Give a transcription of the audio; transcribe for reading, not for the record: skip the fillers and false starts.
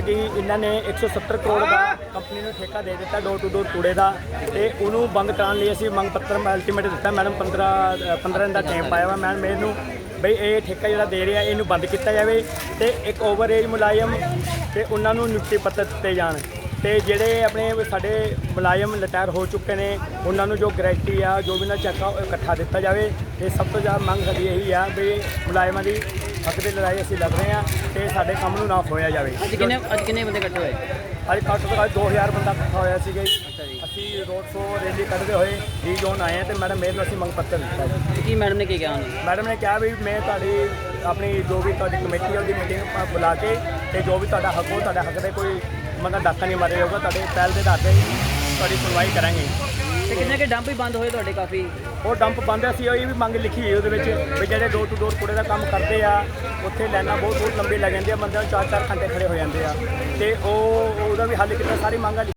ਕਿ ਇਹਨਾਂ ਨੇ 170 ਕਰੋੜ ਦਾ ਕੰਪਨੀ ਨੂੰ ਠੇਕਾ ਦੇ ਦਿੱਤਾ ਡੋਰ ਟੂ ਡੋਰ ਕੂੜੇ ਦਾ, ਤੇ ਉਹਨੂੰ ਬੰਦ ਕਰਾਉਣ ਲਈ ਅਸੀਂ ਮੰਗ ਪੱਤਰ ਅਲਟੀਮੇਟ ਦਿੱਤਾ। ਮੈਡਮ 15 ਦਿਨ ਦਾ ਟਾਈਮ ਪਾਇਆ ਵਾ ਮੈਡਮ ਮੈਨੂੰ ਬਈ ਇਹ ਠੇਕਾ ਜਿਹੜਾ ਦੇ ਰਿਹਾ ਇਹਨੂੰ ਬੰਦ ਕੀਤਾ ਜਾਵੇ, ਤੇ ਇੱਕ ਓਵਰ ਏਜ ਮੁਲਾਜ਼ਮ ਤੇ ਉਹਨਾਂ ਨੂੰ ਨਿਯੁਕਤੀ ਪੱਤਰ ਦਿੱਤੇ ਜਾਣ, ਤੇ ਜਿਹੜੇ ਆਪਣੇ ਸਾਡੇ ਮੁਲਾਜ਼ਮ ਰਿਟਾਇਰ ਹੋ ਚੁੱਕੇ ਨੇ ਉਹਨਾਂ ਨੂੰ ਜੋ ਗਰੰਟੀ ਆ ਜੋ ਵੀ ਨਾ ਚੈੱਕ ਆ ਇਕੱਠਾ ਦਿੱਤਾ ਜਾਵੇ। ਤੇ ਸਭ ਤੋਂ ਜ਼ਿਆਦਾ ਮੰਗ ਸਾਡੀ ਇਹੀ ਆ ਵੀ ਮੁਲਾਜ਼ਮਾਂ ਦੀ ਹੱਕ ਦੀ ਲੜਾਈ ਅਸੀਂ ਲੜ ਰਹੇ ਹਾਂ ਤੇ ਸਾਡੇ ਕੰਮ ਨੂੰ ਨਾ ਖੋਇਆ ਜਾਵੇ। ਅੱਜ ਕਿੰਨੇ ਬੰਦੇ ਇਕੱਠੇ ਹੋਏ? ਅੱਜ ਘੱਟ ਤੋਂ ਘੱਟ 2000 ਬੰਦਾ ਇਕੱਠਾ ਹੋਇਆ ਸੀਗਾ ਜੀ। ਅਸੀਂ ਰੋਡ ਸ਼ੋਅ ਰੈਲੀ ਕੱਢਦੇ ਹੋਏ ਡੀ ਜ਼ੋਨ ਆਏ ਹਾਂ ਤੇ ਮੈਡਮ ਮੇਰੇ ਨੂੰ ਅਸੀਂ ਮੰਗ ਪੱਤਰ ਦਿੱਤਾ ਜੀ। ਕੀ ਮੈਡਮ ਨੇ ਕੀ ਕਿਹਾ ਉਹਨੇ? ਮੈਡਮ ਨੇ ਕਿਹਾ ਵੀ ਮੈਂ ਤੁਹਾਡੀ ਆਪਣੀ ਜੋ ਵੀ ਤੁਹਾਡੀ ਕਮੇਟੀ ਆ ਉਹਦੀ ਮੀਟਿੰਗ ਬੁਲਾ ਕੇ ਤੇ ਜੋ ਵੀ ਤੁਹਾਡਾ ਹੱਕ ਹੋ ਤੁਹਾਡੇ ਹੱਕ ਦੇ ਕੋਈ ਮਤਲਬ ਡਾਕਾ ਨਹੀਂ ਮਾਰਿਆ ਜਾਊਗਾ, ਤੁਹਾਡੇ ਪਹਿਲ ਦੇ ਆਧਾਰ 'ਤੇ ਤੁਹਾਡੀ ਸੁਣਵਾਈ ਕਰਾਂਗੇ। ਤੇ ਕਿੰਨੇ ਕਿ ਡੰਪ ਹੀ ਬੰਦ ਹੋਏ ਤੁਹਾਡੇ ਕਾਫੀ? ਉਹ ਡੰਪ ਬੰਦ ਅਸੀਂ ਉਹੀ ਵੀ ਮੰਗ ਲਿਖੀ ਹੋਈ ਉਹਦੇ ਵਿੱਚ ਵੀ ਜਿਹੜੇ ਡੋਰ ਟੂ ਡੋਰ ਕੂੜੇ ਦਾ ਕੰਮ ਕਰਦੇ ਆ ਉੱਥੇ ਲਾਈਨਾਂ ਬਹੁਤ ਲੰਬੀ ਲੱਗ ਜਾਂਦੀਆਂ, ਬੰਦਿਆਂ ਨੂੰ 4-4 ਘੰਟੇ ਖੜੇ ਹੋ ਜਾਂਦੇ ਆ, ਤੇ ਉਹਦਾ ਵੀ ਹੱਲ ਕੀਤਾ। ਸਾਰੀ ਮੰਗਾਂ